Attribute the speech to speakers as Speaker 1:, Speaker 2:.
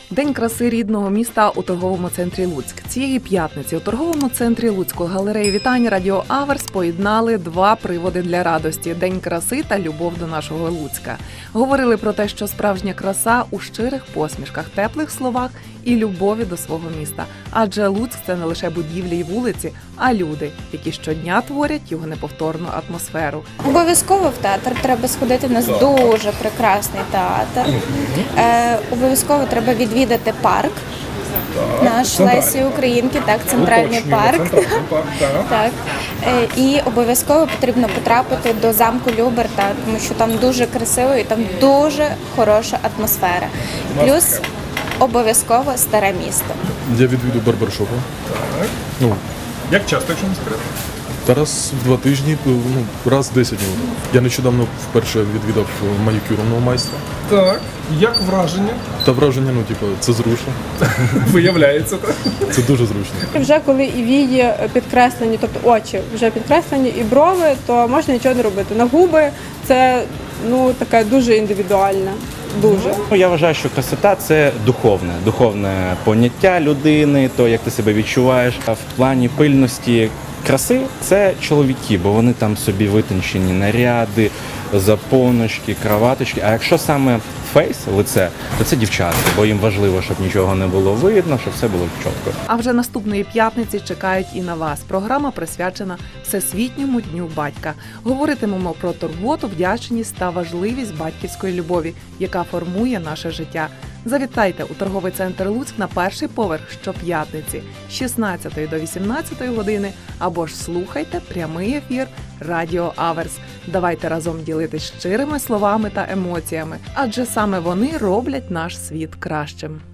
Speaker 1: День краси рідного міста у торговому центрі Луцьк. Цієї п'ятниці у торговому центрі Луцьку галереї вітань Радіо Аверс поєднали два приводи для радості – День краси та любов до нашого Луцька. Говорили про те, що справжня краса у щирих посмішках, теплих словах і любові до свого міста. Адже Луцьк – це не лише будівлі й вулиці, а люди, які щодня творять його неповторну атмосферу.
Speaker 2: Обов'язково в театр треба сходити, у нас дуже прекрасний театр. Обов'язково треба відвідати парк. Наш Лесі Українки, так, центральний парк. Так. І обов'язково потрібно потрапити до замку Люберта, тому що там дуже красиво і там дуже хороша атмосфера. Плюс обов'язково старе місто.
Speaker 3: Я відвідую барбершопи.
Speaker 4: Так. Як часто, якщо не секрет?
Speaker 3: Раз в 2 тижні, раз в 10 днів. Я нещодавно вперше відвідав манікюрного майстра.
Speaker 4: Так. Як враження?
Speaker 3: Та враження, це зручно.
Speaker 4: Виявляється, так?
Speaker 3: Це дуже зручно.
Speaker 5: Вже коли і вії підкреслені, тобто очі вже підкреслені, і брови, то можна нічого не робити. На губи це таке дуже індивідуальне. Дуже.
Speaker 6: Я вважаю, що красота – це духовне поняття людини, то, як ти себе відчуваєш. А в плані пильності краси – це чоловіки, бо вони там собі витончені наряди, запоночки, краваточки. А якщо саме фейс, лице, то це дівчата, бо їм важливо, щоб нічого не було видно, щоб все було чітко.
Speaker 1: А вже наступної п'ятниці чекають і на вас. Програма присвячена Всесвітньому дню батька. Говоритимемо про турботу, вдячність та важливість батьківської любові, яка формує наше життя. Завітайте у торговий центр Луцьк на перший поверх щоп'ятниці з 16 до 18 години або ж слухайте прямий ефір Радіо Аверс. Давайте разом ділитись щирими словами та емоціями, адже саме вони роблять наш світ кращим.